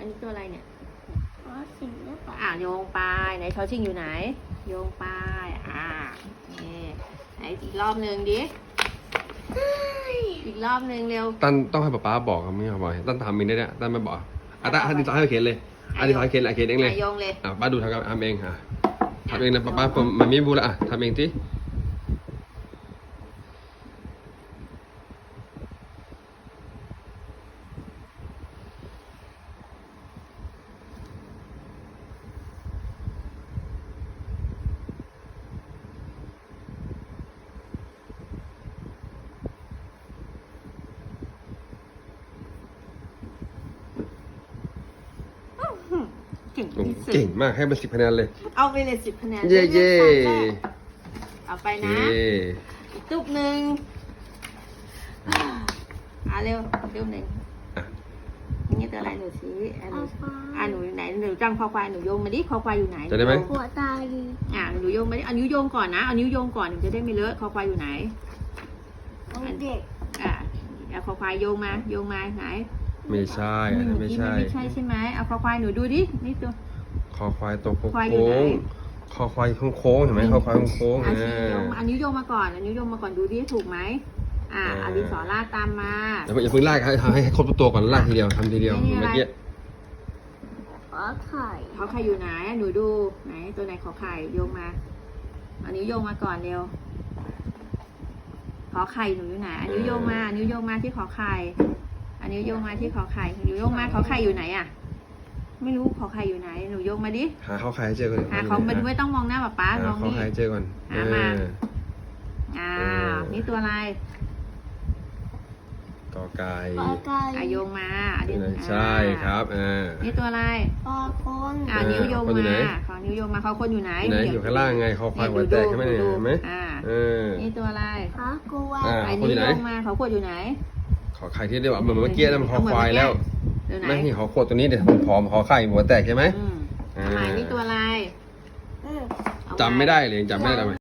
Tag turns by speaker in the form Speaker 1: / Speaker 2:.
Speaker 1: นนี้ตัวอะไรเนี่ย
Speaker 2: อ๋อสิ่งหรือเปล่า
Speaker 1: โยงไปไหนชอชิงอยู่ไหนโยงไปนี่ไหนอีกรอบหนึ่งดิอีกรอบหนึ่งเร็ว
Speaker 3: ตั้นต้องให้ป๊าบอกครับไม่เขาบอกตั้นทำเองได้เนี่ยตั้นไม่บอกตั้นให้ดิฉันให้เขียนเลยดิฉันเขียนเองเลย
Speaker 1: โยงเลย
Speaker 3: ป้าดูทำเองทำเองนะป้ามันไม่บูละทำเองสิ
Speaker 1: เก่งที่สุด
Speaker 3: เก่งมากให้เป็น10 คะแนนเลย
Speaker 1: เอาไปเลย10 คะแนน
Speaker 3: เย่เย่
Speaker 1: เอาไปนะอีกตุ๊บหนึ่งเร็วหนึ่งนี่ตัวอะไรหนูชี้หนูไหนหนูจังคอควายหนูโยงมาดิคอควายอยู่ไหน
Speaker 3: จะได้ไหม
Speaker 2: หัวตาดี
Speaker 1: หนูโยงมาดิเอานิ้วโยงก่อนนะเอานิ้วโยงก่อนหนูจะได้ไม่เลอะคอควายอยู่ไหน
Speaker 2: เด็ก
Speaker 1: เอาคอควายโยงมาไหน
Speaker 3: ไม่ใช่ไม่ใช่
Speaker 1: ไม่ใช่ใช่ไหมเอาคอควายหนูดูดินี่ตัว
Speaker 3: คอควายตัวโค้
Speaker 1: ควายอยู่ไหน
Speaker 3: งคอควายโค้งเห็นไหมคอควายโค้ง
Speaker 1: อันนิ้วโยงมาก่อนดูดิถูกไหมเอาดินสอลากตามมา
Speaker 3: อย่าเพิ่งลากให้ครบตัวก่อนลากทีเดียวทำทีเดียวเมื่อกี้
Speaker 2: ขอไข่
Speaker 1: ขอไข่อยู่ไหนหนูดูไหนตัวไหนขอไข่โยงมาเอานิ้วโยงมาก่อนเร็วขอไข่หนูอยู่ไหนนิ้วโยงมาที่ขอไข่อันนิ้วโยงมาที่ขอไข่นิ้วโยงมาขอไข่อยู่ไหนไม่รู้ขอไข่อยู่ไหนหนูโยงมาดิ
Speaker 3: หาข้อไข่ให้เจอก่อน
Speaker 1: เขาไม่ต้องมองหน้าป๊าลอง
Speaker 3: ข้อ
Speaker 1: นี่
Speaker 3: ไข่เจอก่อน
Speaker 1: นี่ตัวอะไร
Speaker 3: กอไก่
Speaker 2: ขอไก่
Speaker 1: โยงมา
Speaker 3: ใช่ครับ
Speaker 1: นี่ตัวอะไร
Speaker 2: ขอคน
Speaker 1: นิ้วโยงมาขอนิ้วโยงมาเขาคนอยู่ไหน
Speaker 3: อยู่ข้างล่างไงคอควายหัวแตกใช่ไหมเนี่ยเห็นไหม
Speaker 1: นี่ตัวอะไร
Speaker 2: ขอกลัว
Speaker 1: นิ้วโยงมาเขาขวดอยู่ไหน
Speaker 3: ขอไข่ที่เรียกว่าเหมือนเมื่อกี้นั่นมันคอควายแล้ว
Speaker 1: ไหน
Speaker 3: ไม่นี่ขอขวดตัวนี้เดี๋ยวผอมขอไข่หัวแตกใช่ไหม
Speaker 1: นี่ตัวอะไร
Speaker 3: จำไม่ได้เลยจำไม่ได้ทำไม